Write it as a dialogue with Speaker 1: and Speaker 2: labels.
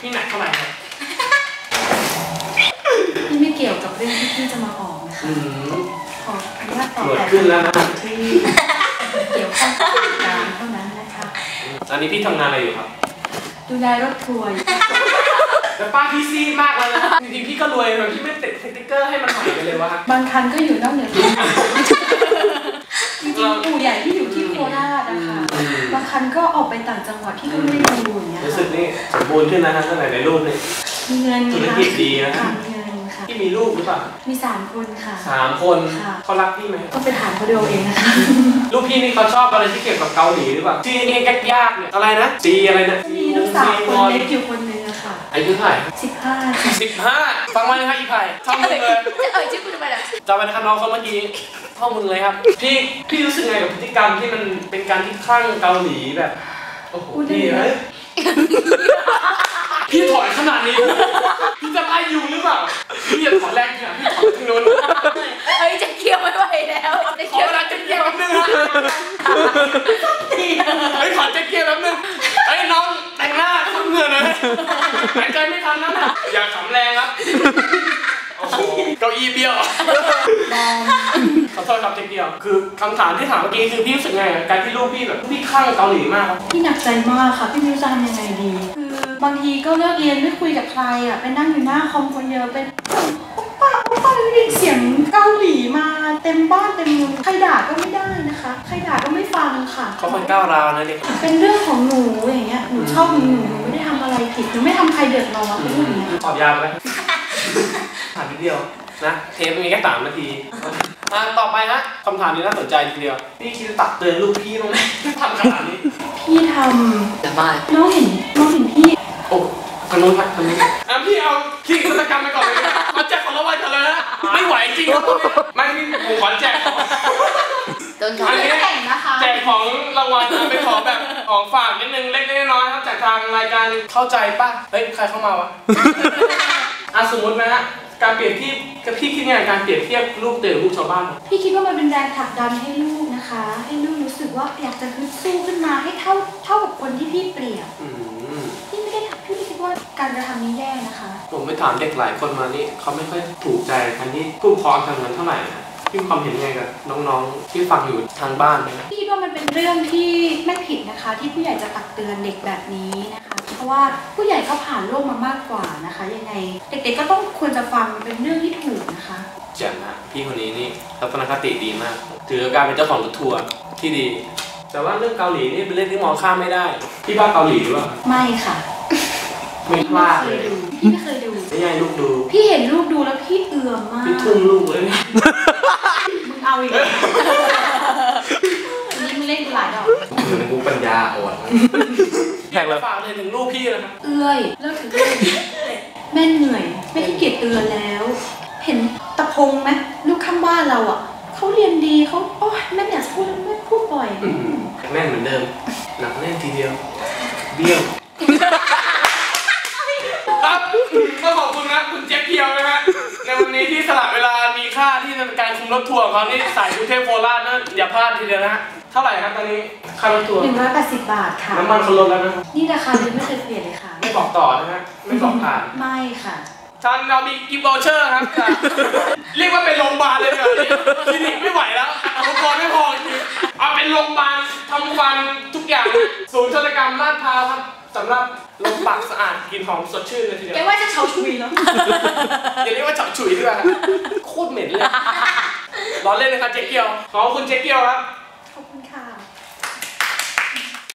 Speaker 1: พี่หนักเท่าไหร่ครับ
Speaker 2: นี่ไม่เกี่ยวกับเรื่องที่พี่จะมาออกนะคะขออนุญาตตอบแต่
Speaker 1: ขึ้นแล้วนะ
Speaker 2: ที่เกี่ยวข้องกับการเท่านั้นนะคะ
Speaker 1: ตอนนี้พี่ทำงานอะไรอยู่ครับ
Speaker 2: ดูแลรถทัวร์
Speaker 1: แต่ป้าพี่ซีมากเลยนะจริงๆพี่ก็รวยแบบพี่ไม่ติดสติ๊กเกอร์ให้มันหายไปเลยวะ
Speaker 2: บางคันก็อยู่นอกเหนือจริงๆปู่ใหญ่ที่อยู่ที่โคราชนะคะบางคันก็ออกไปต่างจังหวัดที่ก็ไม่ได้ดูอย่างเงี้ย
Speaker 1: รู้สึกนี่สมบูรณ์ขึ้นนะฮะตั้งแต่ในรูปนี่
Speaker 2: มีเงิน
Speaker 1: ธุรกิจดีนะ
Speaker 2: มีเงินค่ะ
Speaker 1: พี่มีลูกหรือเปล่า
Speaker 2: มี3 คนค่ะ
Speaker 1: 3 คนเขารักพี่ไหม
Speaker 2: ก็ไปถามเขาดูเองนะคะ
Speaker 1: ลูกพี่นี่เขาชอบอะไรที่เกี่ยวกับเกาหลีหรือเปล่าจีนี่ยากๆเนี่ยอะไรนะจีอะไรนะ
Speaker 2: มีลูกสาวคนเล็กอยู่คนนึงอะค่ะ
Speaker 1: อายุเท่าไหร่
Speaker 2: 15
Speaker 1: ฟังไว้นะครับอีไผ่ท่องมึงเลย
Speaker 2: ชื่อคุณทำไมล่ะ
Speaker 1: จำไว้นะครับน้องเขาเมื่อกี้ท่องมึงเลยครับพี่รู้สึกไงกับพฤติกรรมที่มันเป็นการที่คลั่งเกาหลีแบบโอ้โหพี่เฮ้ยพี่ถอยขนาดนี้พี่จะไล่ยูหรือเปล่าพี่อย่าถอนแรงเนี่ยพี่ถอนทางโน้น
Speaker 2: จะเคี่ยวไม่ไหวแล้ว
Speaker 1: ขอเวลาจะเคี่ยวแป๊บนึงฮะขอจะเคี่ยวแป๊บนึงน้องแต่งหน้าทำเงินเลยหายใจไม่ทันนะอย่าขำแรงครับโอ้โหเก้าอี้เบี้ยวขอโทษครับเจ๊เกียวคือคำถามที่ถามเมื่อกี้คือพี่รู้สึกไงการที่ลูกพี่แบบพี่คลั่งเกาหลีมาก
Speaker 2: พี่หนักใจมากค่ะพี่ไม่รู้จะทำยังไงดีคือบางทีก็เลิกเรียนไม่คุยกับใครอ่ะไปนั่งอยู่หน้าคอมคนเดียวเป็นป้าได้ยินเสียงเกาหลีมาเต็มบ้านเต็มเมืองใครด่าก็ไม่ได้นะคะใครด่าก็ไม่ฟังค่ะ
Speaker 1: เขาคนก้าวร้าวนะเด็ก
Speaker 2: เป็นเรื่องของหนูอย่างเงี้ยหนูชอบหนูไม่ได้ทำอะไรผิดหนูไม่ทำใครเดือดร้อนเป็นอย่างเงี้ย
Speaker 1: ตอบยาวไหมถามนิดเดียวนะเทปมีแค่3 นาทีต่อไปฮะคำถามนี้น่าสนใจทีเดียวพี่คิดจะตักเตือนลูกพี่ตรงไหนทำขนาดนี้
Speaker 2: พี่ทำแต่ไม่น้องเห็นพี่
Speaker 1: โอ้ขนมพัดขนมพี่เอาขี้กิจกรรมไปก่อนเลยมาแจกของรางวัลกันเลยนะไม่ไหวจริงไม่พี่ผมขอแจกอันนี้แจกของรางวัลเป็นของแบบของฝากนิดนึงเล็กน้อยครับจากทางรายการเข้าใจป่ะเฮ้ยใครเข้ามาวะสมมตินะฮะการเปรียบเทียบกับพี่คิดยังไงการเปรียบเทียบลูกเต๋อลูกชาวบ้าน
Speaker 2: พี่คิดว่ามันเป็นแรงผลักดันให้ลูกนะคะให้ลูกรู้สึกว่าอยากจะฮึดสู้ขึ้นมาให้เท่ากับคนที่พี่เปรียบพี่ไม่คิดว่าการกระทำนี้แย่นะคะ
Speaker 1: ผมไปถามเด็กหลายคนมานี่เขาไม่ค่อยถูกใจการที่ผู้ปกครองทำงานเท่าไหร่นะพี่มีความเห็นยังไงกับน้องๆที่ฟังอยู่ทางบ้านนะ
Speaker 2: พี่คิดว่ามันเป็นเรื่องที่ไม่ผิดนะคะที่ผู้ใหญ่จะตักเตือนเด็กแบบนี้นะคะเพราะว่าผู้ใหญ่เขาผ่านโลกมามากกว่านะคะยังไงเด็กๆก็ต้องควรจะฟังเป็นเรื่องที่ถูกนะคะ
Speaker 1: เจ๋งนะพี่คนนี้นี่ทัศนคติดีมากถือการเป็นเจ้าของรถทัวร์ที่ดีแต่ว่าเรื่องเกาหลีนี่เป็นเรื่องที่มองข้ามไม่ได้พี่บ้าเกาหลีหรือเปล่า
Speaker 2: ไม่ค่ะ
Speaker 1: ไม่พลาดเลย
Speaker 2: พี่ไม่เคยดู
Speaker 1: ไม่ใช่ลูกดู
Speaker 2: พี่เห็นลูกดูแล้วพี่เอื่อมมาก
Speaker 1: พี่ทุ่มลูกเลย
Speaker 2: มึงเอาอีกนี่มึงเล่นหลายดอก
Speaker 1: มึงกูปัญญาอ่อนแขกเลยฝากเลยถึงลูกพี่นะครับ
Speaker 2: เอื้อยเลิกถึงเอื้อยแม่เหนื่อยไม่ขี้เกียจเตือนแล้วเห็นตะพงไหมลูกข้างบ้านเราอ่ะเขาเรียนดีเขาโอ๊ยแม่อยากพูดแม่พูดบ่อย
Speaker 1: แม่เหมือนเดิมหนักแน่นทีเดียวเบี้ยวครับก็ขอบคุณนะคุณเจ๊เพียวนะฮะในวันนี้ที่สละเวลามีค่าที่จะเป็นการคุมรถทัวร์ของเขานี่สายกรุงเทพโคราชนะอย่าพลาดทีเดียวนะฮะเท่าไหร่ครับตอนนี้ค่ารถทัวร์
Speaker 2: 180 บาทค่ะ
Speaker 1: น้ำมันเขาลดแล้วนะ
Speaker 2: นี่ราคาไม่เคยเปลี่ยนเลยค่ะ
Speaker 1: ไม่บอกต่อนะฮะไม่บอกผ่าน
Speaker 2: ไม่ค่ะ
Speaker 1: ท่านเรามีกิฟต์วอเชอร์ครับเรียกว่าเป็นโรงพยาบาลเลยแบบนี้คลินิกไม่ไหวแล้วอุปกรณ์ไม่พอจริงเอาเป็นโรงพยาบาลทำฟันทุกอย่างศูนย์ศัลยกรรมลาดพร้าวครับสำหรับลมปากสะอาดกลิ่นหอมสดชื่นเลยทีเดียว
Speaker 2: แกว่าจะเฉาฉุยแล้ว
Speaker 1: อย่าเรียกว่าเฉาฉุยด้วยโคตรเหม็นเลยล้อเล่นเลยครับเจ๊เกียวขอบคุณเจ๊เกียวครับ
Speaker 2: ขอบคุณค่ะ